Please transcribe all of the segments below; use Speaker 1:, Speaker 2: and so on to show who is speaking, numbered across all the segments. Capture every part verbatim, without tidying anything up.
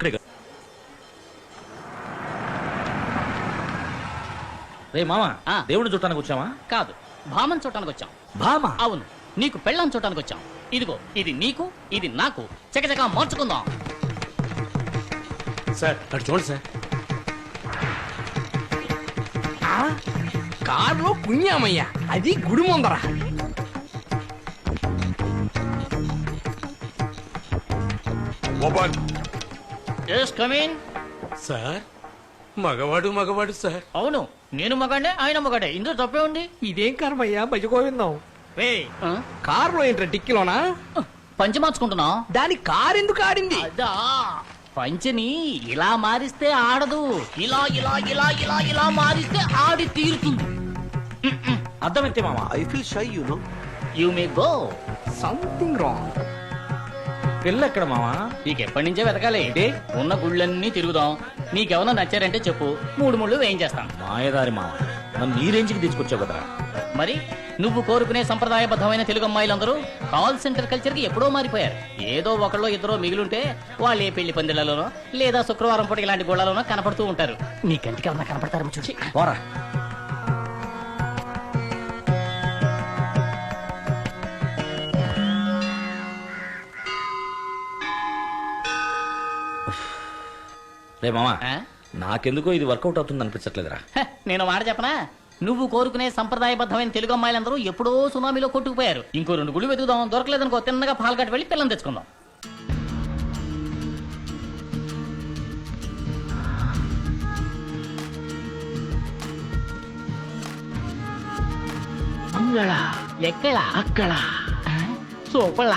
Speaker 1: అక్కడే రే మామా దేవుడిని చూడటానికి వచ్చావా?
Speaker 2: కాదు, భామను చూడటానికి వచ్చాం.
Speaker 1: భామ?
Speaker 2: అవును, నీకు పెళ్ళాం చూడటానికి వచ్చాం. ఇదిగో, ఇది నీకు, ఇది నాకు. చకచకా మార్చుకుందాం.
Speaker 1: సార్ అటు చూడండి సార్.
Speaker 3: కారులో పుణ్యామయ్య, అది గుడి ముందర.
Speaker 1: సార్ మగవాడు మగవాడు సార్.
Speaker 2: అవును, నేను మగాడే, ఆయన మగాడే. ఇందులో తప్పే ఉంది.
Speaker 3: ఇదేం కర్మయ్యా, భజగోవిందం.
Speaker 2: ఆ?
Speaker 3: కారులో ఏంట్రా, టిక్కిలోనా?
Speaker 2: పంచి మార్చుకుంటున్నా.
Speaker 3: దాని కారు ఎందుకు ఆడింది?
Speaker 2: అదా, పంచిని ఇలా మారిస్తే ఆడదు, ఇలా ఇలా ఇలా ఇలా ఇలా మారిస్తే ఆడి తీరుతుంది.
Speaker 1: అర్థమైతే మామా.
Speaker 4: I feel shy, you know.
Speaker 2: You may go.
Speaker 3: Something wrong.
Speaker 1: పెళ్ళి ఎక్కడ మామా?
Speaker 2: నీకు ఎప్పటి నుంచే వెతకాలి. ఉన్న గుళ్ళన్నీ తిరుగుదాం. నీకెవరన్నా నచ్చారంటే చెప్పు, మూడు ముళ్ళు వేయించేస్తాం.
Speaker 1: మాయదారి మామ, నన్ను ఈ రేంజ్కి తీసుకొచ్చావు కదరా.
Speaker 2: మరి నువ్వు కోరుకునే సంప్రదాయబద్ధమైన తెలుగు అమ్మాయిలందరూ కాల్ సెంటర్ కల్చర్ కి ఎప్పుడో మారిపోయారు. ఏదో ఒకళ్ళో ఇద్దరో మిగిలింటే వాళ్ళు ఏ పెళ్లి పందిళ్లలోనో లేదా శుక్రవారం పూట ఇలాంటి గోళాలోనో కనపడుతూ ఉంటారు. నీ కంటికి ఎవరన్నా కనపడతారో చూసి
Speaker 1: పోరా. రే మామా, నాకెందుకో ఇది వర్కౌట్ అవుతుంది అనిపించట్లేదురా.
Speaker 2: నేను మాట చెప్పనా, నువ్వు కోరుకునే సంప్రదాయబద్ధమైన తెలుగు అమ్మాయిలందరూ ఎప్పుడో సునామీలో కొట్టుకుపోయారు. ఇంకో రెండు గుళ్ళు వెతుకుదాం, దొరకలేదనుకో తిన్నగా పాల్గట్ వెళ్ళి పిల్లలు తెచ్చుకుందాం. ఎక్కడ అక్కడ సూపర్లా.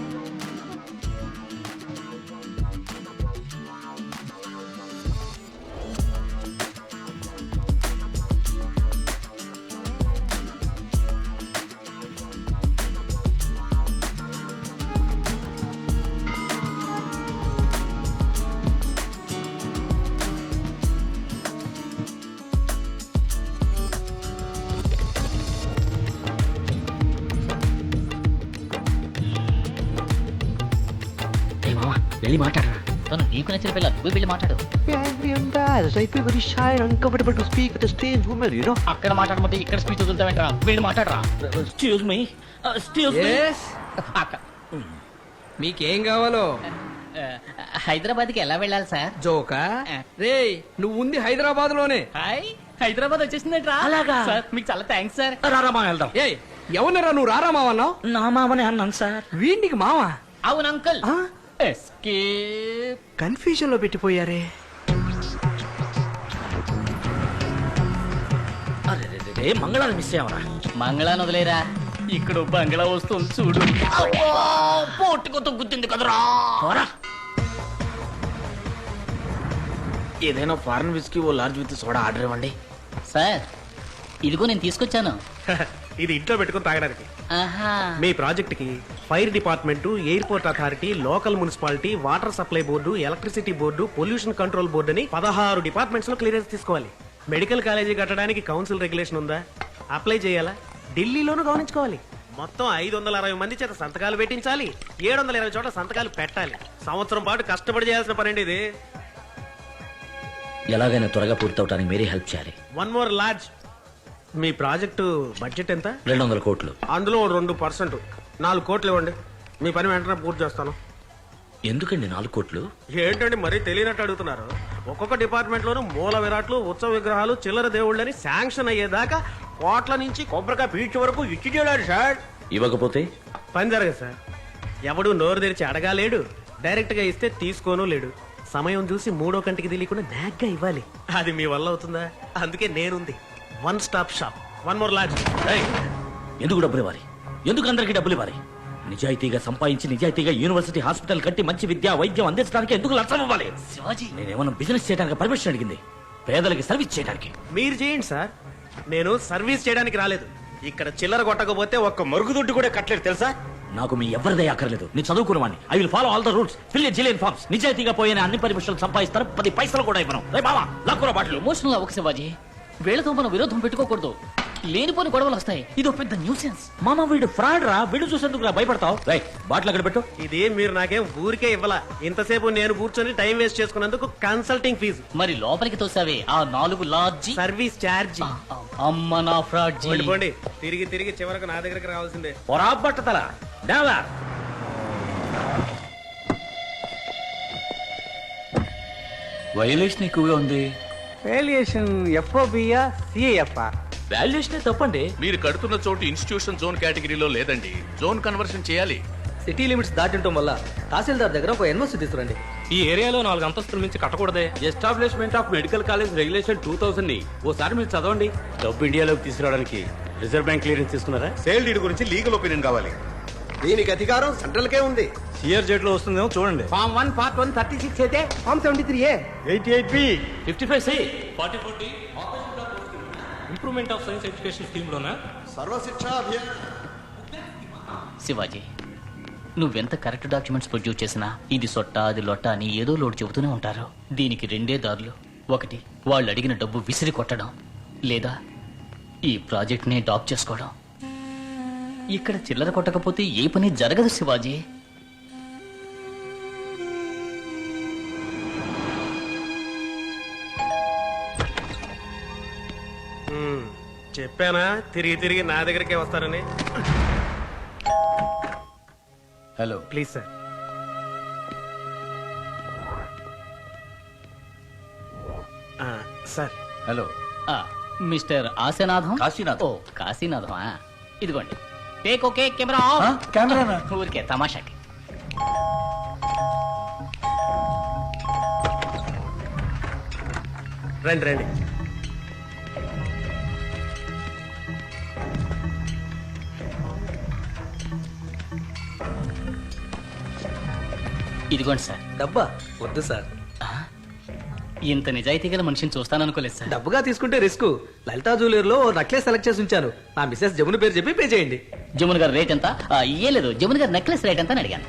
Speaker 1: వెళ్ళి మాట్లాడరా.
Speaker 2: తను నీకు నచ్చిన పిల్ల, నువ్వు వెళ్ళి మాట్లాడు.
Speaker 4: I feel very shy and uncomfortable to speak with a strange woman, you know.
Speaker 2: అక్కడ మాట్లాడమంటే ఇక్కడ స్పీచ్ వదులుతావేంట్రా? వెళ్ళి మాట్లాడరా.
Speaker 1: Excuse me, excuse me.
Speaker 2: అక్క,
Speaker 3: మీకేం కావాలో?
Speaker 2: హైదరాబాద్ కి ఎలా వెళ్ళాలి సార్?
Speaker 3: జోకా రే, నువ్వు ఉంది హైదరాబాద్ లోనే.
Speaker 2: హాయ్, హైదరాబాద్ వచ్చేసిందంట్రా.
Speaker 1: అలాగా
Speaker 2: సార్, మీకు చాలా థ్యాంక్స్ సార్.
Speaker 1: రారా మామ వెళ్దాం.
Speaker 3: ఏ ఎవరినరా నువ్వు రారా మావన్నావు?
Speaker 1: నా మామనే అన్నాను సార్.
Speaker 3: వీడికి మావా?
Speaker 2: అవును అంకుల్. ఎస్కేప్.
Speaker 3: కన్ఫ్యూజన్ లో పెట్టిపోయారే.
Speaker 1: అరే రే రే, మంగళాన్ని మిస్ అయ్యావరా.
Speaker 2: మంగళాన్ని వదిలేరా, ఇక్కడ బంగ్లా వస్తుంది చూడు. పోటుకొత్త గుర్తుంది కదరా.
Speaker 1: ఏదైనా ఫారెన్ విస్కీ ఓ లార్జ్ విత్ సోడా ఆర్డర్ ఇవ్వండి.
Speaker 2: సార్, ఇదిగో నేను తీసుకొచ్చాను.
Speaker 5: ఇది ఇంట్లో పెట్టుకుని తాగడానికి.
Speaker 2: ఆహా.
Speaker 5: మీ ప్రాజెక్ట్ కి fire department, airport authority, local municipality, water supply board, electricity board, pollution control board అని పదహారు డిపార్ట్మెంట్స్ లో క్లియరెన్స్ తీసుకోవాలి. మెడికల్ కాలేజీ కట్టడానికి కౌన్సిల్ రెగ్యులేషన్ ఉందా, అప్లై చేయాలా, ఢిల్లీలోనూ గమనించుకోవాలి. మొత్తం ఐదు వందల అరవై మంది చేత సంతకాలు పెట్టించాలి. ఏడు వందల ఇరవై చోట్ల సంతకాలు పెట్టాలి. సంవత్సరం పాటు కష్టపడి చేయాల్సిన పని ఇది.
Speaker 1: ఎలాగైనా త్వరగా పూర్తవటానికి మీరే హెల్ప్ చేయాలి.
Speaker 5: One more large. మీ ప్రాజెక్టు బడ్జెట్ ఎంత?
Speaker 1: రెండు వందల కోట్లు.
Speaker 5: అందులో రెండు పర్సెంట్ నాలుగు కోట్లు ఇవ్వండి. మీ పని వెంటనే పూర్తి చేస్తాను.
Speaker 1: ఎందుకండి నాలుగు కోట్లు?
Speaker 5: ఏంటండి మరీ తెలియనట్టు అడుగుతున్నారు. ఒక్కొక్క డిపార్ట్మెంట్ లోను మూల విరాట్లు, ఉత్సవ విగ్రహాలు, చిల్లర దేవుళ్ళని శాంక్షన్ అయ్యేదాకా కోట్ల నుంచి కొబ్బరికాయ పీచు వరకు ఇచ్చి చేయలేడు సార్.
Speaker 1: ఇవ్వకపోతే
Speaker 5: పని జరగదు సార్. ఎవడు నోరు తెరిచి అడగాలేడు, డైరెక్ట్ గా ఇస్తే తీసుకోను లేడు. సమయం చూసి మూడో కంటికి తెలియకుండా నాగ్గా ఇవ్వాలి. అది మీ వల్ల అవుతుందా? అందుకే నేనుంది. One stop shop. One more lodge.
Speaker 1: ఎందుకు డబ్బులు ఇవ్వాలి? ఎందుకు అందరికి డబ్బులు ఇవ్వాలి? నిజాయితీగా సంపాదించి నిజాయితీగా యూనివర్సిటీ హాస్పిటల్ కట్టి మంచి విద్య వైద్యం అందించడానికి ఎందుకు లక్షం ఇవ్వాలి?
Speaker 2: శివాజీ,
Speaker 1: నేనేమన్నా బిజినెస్ చేయడానికి పర్మిషన్ అడిగింది, పేదలకి సర్వీస్ చేయడానికి.
Speaker 5: మీరు చేయండి సార్, నేను సర్వీస్ చేయడానికి రాలేదు. ఇక్కడ చిల్లర కొట్టకపోతే ఒక్క మరుగుదొడ్డు కూడా కట్టలేదు తెలుసా?
Speaker 1: నాకు మీ ఎవరిదే అక్కర్లేదు. నేను చదువుకున్నవాడిని. I will follow all the rules, fill a zillion forms. నిజాయితీగా పోయిన అన్ని పర్మిషన్లు సంపాదిస్తారు, పది పైసలు కూడా ఇవ్వను. రే బావా, లాక్కురా బాటలు.
Speaker 2: ఎమోషనల్ అవ్వక శివాజీ, వీళ్ళతో మనం విరోధం పెట్టుకోకూడదు. లేనిపోని గొడవలు వస్తాయి. ఇది ఒక పెద్ద న్యూసెన్స్.
Speaker 1: మామ వీడు ఫ్రాడ్ రా, వీడు చూసేందుకు రా భయపడతావు. రై బాటిల్ అక్కడ పెట్టు.
Speaker 5: ఇది మీరు నాకేం ఊరికే ఇవ్వాల, ఇంతసేపు నేను కూర్చొని టైం వేస్ట్ చేసుకున్నందుకు కన్సల్టింగ్ ఫీజు,
Speaker 2: మరి లోపలికి తోసావే ఆ నాలుగు లాడ్జి.
Speaker 5: Service charge.
Speaker 2: అమ్మ నా ఫ్రాడ్ జీ.
Speaker 5: పోండి తిరిగి తిరిగి చివరకు నా దగ్గరికి రావాల్సిందే.
Speaker 1: పొరా బట్టతల డావా.
Speaker 6: వైలేషన్ ఎక్కువగా ఉంది.
Speaker 7: వేలియేషన్ ఎఫ్ఓబియా సిఏఎఫ్ఆ
Speaker 1: వాల్యుయేషన్ తప్పండి.
Speaker 6: మీరు కడుతున్న చోటు ఇన్స్టిట్యూషన్ జోన్ కేటగిరీలో లేదండి. జోన్ కన్వర్షన్ చేయాలి.
Speaker 8: సిటీ లిమిట్స్ దాటింటం వల్ల తహసీల్దార్ దగ్గర ఒక ఎన్ఓసి తీసుకురండి.
Speaker 9: ఈ ఏరియాలో నాలుగు అంతస్తుల మించి కట్టకూడదే.
Speaker 10: Establishment of medical college regulation two thousand ని ఓసారి మీరు చదవండి. డబ్బు ఇండియాలోకి తీసుకురావడానికి రిజర్వ్ బ్యాంక్ క్లియరెన్స్ తీసుకున్నారా?
Speaker 11: సేల్ డీడ్ గురించి లీగల్ ఒపీనియన్ కావాలి. దీనికి అధికారం సెంట్రల్ కే ఉంది.
Speaker 10: సిఆర్ జెడ్ లో వస్తుందేమో చూడండి.
Speaker 5: Form one part one thirty six అయితే
Speaker 7: form seventy three A
Speaker 11: eighty eight B
Speaker 1: fifty five C
Speaker 9: forty forty improvement of science education scheme లోనా?
Speaker 11: సర్వశిక్షా అభియాన్.
Speaker 2: శివాజీ, నువ్వెంత కరెక్ట్ డాక్యుమెంట్స్ ప్రొడ్యూస్ చేసినా ఇది సొట్ట అది లొట్ట అని ఏదో లోటు చెబుతూనే ఉంటారు. దీనికి రెండే దారులు. ఒకటి, వాళ్ళు అడిగిన డబ్బు విసిరి కొట్టడం, లేదా ఈ ప్రాజెక్ట్ ని డాప్ చేసుకోవడం. ఇక్కడ చిల్లర కొట్టకపోతే ఏ పని జరగదు శివాజీ.
Speaker 5: మ్మ్. చెప్పానా తిరిగి తిరిగి నా దగ్గరికే వస్తారని.
Speaker 6: Hello,
Speaker 5: please sir. ఆ, సార్
Speaker 6: హలో.
Speaker 2: ఆ, మిస్టర్ ఆశనాథం.
Speaker 6: కాశీనాథం.
Speaker 2: ఓ కాశీనాథం. ఆ, ఇదిగోండి. టేక్ ఓకే కెమెరా
Speaker 6: ఆ, కెమెరానా?
Speaker 2: ఊరికే తమాషాకి.
Speaker 5: రండి రండి.
Speaker 2: ఇదిగోండి సార్.
Speaker 8: డబ్బా వద్దు సార్.
Speaker 2: ఇంత నిజాయితీ గల మనిషిని చూస్తాననుకోలేదు సార్.
Speaker 8: డబ్బుగా తీసుకుంటే రిస్క్. లలితా జ్యువెలర్ లో నెక్లెస్ సెలెక్ట్ చేసి ఉంచాను. నా మిసెస్ జమున పేరు చెప్పి పే చేయండి.
Speaker 2: జమున్ గారు రేట్ ఎంత? ఆ, ఏ లేదు, జమున్ గారు నెక్లెస్ రేట్ ఎంత అని అడిగాను.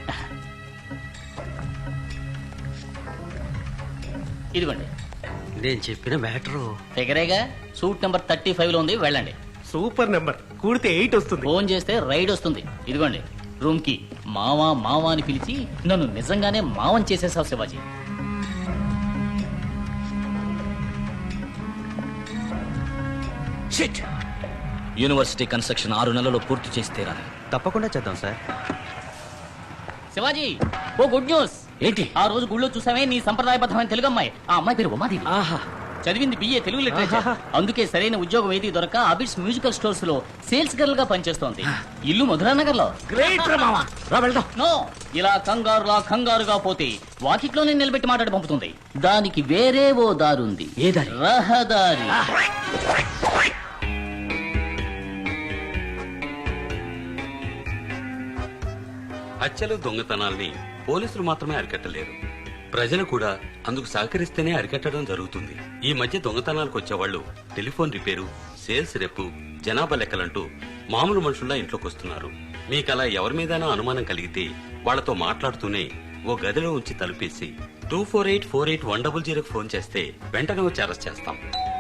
Speaker 2: ఇదిగోండి.
Speaker 4: నేను చెప్పిన మ్యాటరు
Speaker 2: ఫిగరేగా. సూట్ నెంబర్ థర్టీ ఫైవ్ లో ఉంది, వెళ్ళండి.
Speaker 5: Super number. కూడితే ఎయిట్ వస్తుంది.
Speaker 2: ఫోన్ చేస్తే రైడ్ వస్తుంది. ఇదిగోండి రూమ్ కి. మావా మావా అని పిలిచి నన్ను నిజంగానే మావం చేసేసావు శివాజీ.
Speaker 1: షిట్. యూనివర్సిటీ కన్స్ట్రక్షన్ ఆరు నెలల్లో పూర్తి చేసి తీరాలి.
Speaker 4: తప్పకుండా చేద్దాం సార్.
Speaker 2: శివాజీ, ఓ గుడ్ న్యూస్.
Speaker 1: ఏంటి?
Speaker 2: ఆ రోజు గుళ్ళో చూసామే నీ సంప్రదాయబద్ధమైన తెలుగు అమ్మాయి. ఆ అమ్మాయి పేరు ఉమాదేవి.
Speaker 1: ఆహా.
Speaker 2: చదివింది బిఏ తెలుగు లిటరేచర్. అందుకే సరైన ఉద్యోగం ఏది దొరక అబిడ్స్ మ్యూజికల్ స్టోర్స్ లో సేల్స్ గర్ల్ గా పనిచేస్తోంది. ఇల్లు మధురానగర్ లో.
Speaker 1: గ్రేట్ రా మామ. రా వెళ్దాం.
Speaker 2: నో, ఇలా కంగారులా కంగారుగా పోతే వాకిట్లోనే నిలబెట్టి మాట్లాడి పంపుతుంది. దానికి వేరే ఓ దారుంది.
Speaker 1: ఏ దారి?
Speaker 2: రహదారి.
Speaker 10: హత్యలు దొంగతనాల్ని పోలీసులు మాత్రమే అరికట్టలేరు, ప్రజలు కూడా అందుకు సహకరిస్తేనే అరికట్టడం జరుగుతుంది. ఈ మధ్య దొంగతనాలకు వచ్చేవాళ్లు టెలిఫోన్ రిపేరు, సేల్స్ రెప్పు, జనాభా లెక్కలంటూ మామూలు మనుషుల్లా ఇంట్లోకి వస్తున్నారు. మీకలా ఎవరి మీదైనా అనుమానం కలిగితే వాళ్లతో మాట్లాడుతూనే ఓ గదిలో ఉంచి తలుపేసి two four eight four eight one double జీరోకి ఫోన్ చేస్తే వెంటనే వచ్చి అరెస్ట్ చేస్తాం.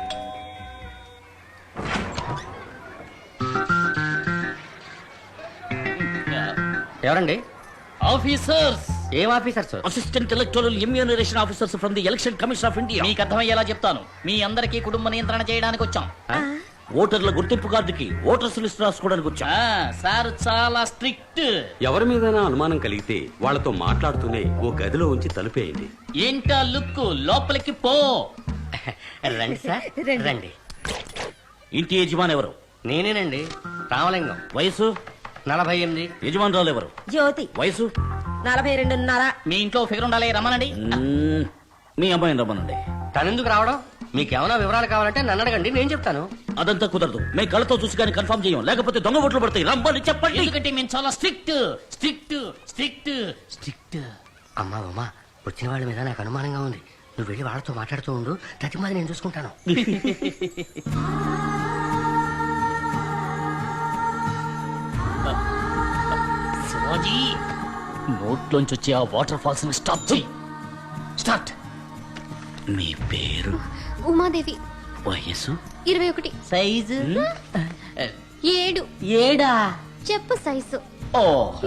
Speaker 8: ఎవరండి?
Speaker 2: ఆఫీసర్స్.
Speaker 8: ఏం officers?
Speaker 1: Assistant electoral enumeration officers from the election commission of India.
Speaker 2: మీకు అర్థమయ్యేలా చెప్తాను. మీ అందరికీ కుటుంబ నియంత్రణ చేయడానికి వచ్చాం.
Speaker 1: ఓటర్ల గుర్తింపు కార్డుకి ఓటర్స్ లిస్ట్ రాసుకోవడానికి వచ్చా.
Speaker 2: ఆ, సార్ చాలా స్ట్రిక్ట్.
Speaker 10: ఎవరి మీదైనా అనుమానం కలిగితే వాళ్లతో మాట్లాడుతూనే ఓ గదిలో ఉంచి తలుపేయండి.
Speaker 2: ఏంటా లుక్? లోపలికి పో.
Speaker 8: రండి సార్, రండి.
Speaker 1: ఇంటి యజమాని ఎవరు?
Speaker 8: నేనేనండి, రామలింగం.
Speaker 1: వయసు?
Speaker 8: నలభై ఎనిమిది.
Speaker 1: యజమానురాలు ఎవరు?
Speaker 12: జ్యోతి.
Speaker 1: వయసు?
Speaker 12: నలభై రెండున్నర.
Speaker 2: మీ ఇంట్లో ఫిగర్ ఉండాలి, రమ్మనండి.
Speaker 1: మ్మ్. మీ అమ్మాయిని రమ్మనండి.
Speaker 8: తనెందుకు రావడం? మీకేమైనా వివరాలు కావాలంటే నన్ను అడగండి, నేను చెప్తాను.
Speaker 1: అదంతా కుదరదు. మేము కళ్ళతో చూసి కానీ కన్ఫర్మ్ చేయం, లేకపోతే దొంగ ఓట్లు పడతాయి. రమ్మని చెప్పండి.
Speaker 2: ఎందుకంటే మేము చాలా స్ట్రిక్ట్ స్ట్రిక్ట్ స్ట్రిక్ట్ స్ట్రిక్ట్.
Speaker 8: అమ్మా అమ్మా, వచ్చిన వాళ్ళ మీద నాకు అనుమానంగా ఉంది. నువ్వు వెళ్ళి వాళ్ళతో మాట్లాడుతూ ఉండు, తతిమాది నేను చూసుకుంటాను.
Speaker 2: శివాజీ, నోట్లోంచి వచ్చే ఆ వాటర్ ఫాల్స్ ని స్టాప్ చేయి. స్టార్ట్.
Speaker 1: మీ పేరు?
Speaker 12: ఉమాదేవి.
Speaker 1: వయస్సు
Speaker 12: ఇరవై ఒకటి
Speaker 2: సైజు
Speaker 12: ఏడు
Speaker 2: ఏడా
Speaker 12: చెప్పు సైజు
Speaker 2: ఓ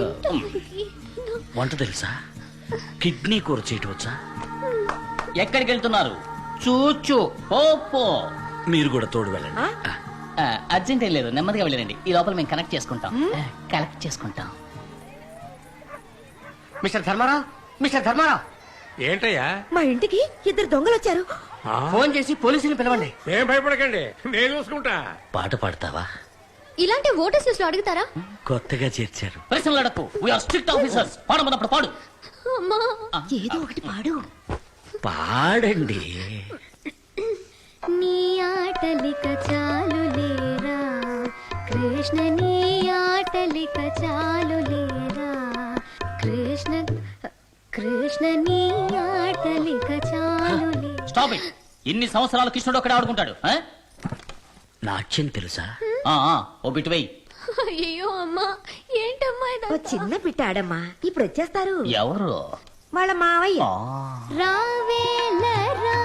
Speaker 1: వంట తెలుసా? కిడ్నీ కూర చేయటం వచ్చా?
Speaker 2: ఎక్కడికి వెళ్తున్నారు? చూచు ఓపో
Speaker 1: మీరు కూడా తోడు వెళ్ళండి.
Speaker 2: అర్జెంట్ ఏం లేదు, నెమ్మదిగా వెళ్ళండి. ఈ లోపల మేము కనెక్ట్ చేసుకుంటాం, కలెక్ట్ చేసుకుంటాం.
Speaker 8: మిస్టర్ ధర్మారావు, మిస్టర్ ధర్మారావు,
Speaker 7: ఏంటయ్యా?
Speaker 12: మా ఇంటికి ఇద్దరు దొంగలు వచ్చారు.
Speaker 8: ఫోన్ చేసి పోలీసుని పిలవండి.
Speaker 7: ఏం భయపడకండి, నేను చూసుకుంటా.
Speaker 1: పాట పాడతావా?
Speaker 12: ఇలాంటి ఓటర్స్ లిస్ట్ లో అడుగుతారా?
Speaker 1: కొత్తగా చేర్చారు.
Speaker 2: ప్రశ్నలు అడక్కు, వీఆర్ స్ట్రిక్ట్ ఆఫీసర్స్. పాడమన్నప్పుడు పాడు.
Speaker 12: అమ్మా ఏదో ఒకటి పాడు.
Speaker 1: పాడండి.
Speaker 12: నీ ఆటలిక చాలు లేరా కృష్ణ, నీ ఆటలిక చాలు లేరా కృష్ణ, కృష్ణ నీ ఆటలిక చాలు లేరా.
Speaker 2: Stop it. ఇన్ని సంవత్సరాలు కృష్ణుడు అక్కడ ఆడుకుంటాడు. ఆ?
Speaker 1: నాట్యం తెలుసా?
Speaker 2: ఆ, ఆ, ఓ బిట్టు వెయ్యి.
Speaker 12: అయ్యో అమ్మా, ఏంటమ్మా
Speaker 13: ఓ చిన్న పిట్టాడమ్మా, ఇప్పుడు వచ్చేస్తారు.
Speaker 2: ఎవరు?
Speaker 13: వాళ్ళ మావయ్య.
Speaker 12: రావేలరా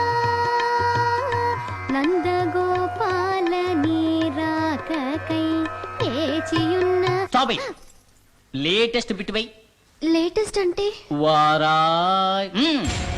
Speaker 12: నందగోపాల నీ రాకకై ఏచియున్న.
Speaker 2: Stop it. లేటెస్ట్ బిట్టు వెయ్యి.
Speaker 12: లేటెస్ట్ అంటే
Speaker 2: వారాయ్. మ్మ్.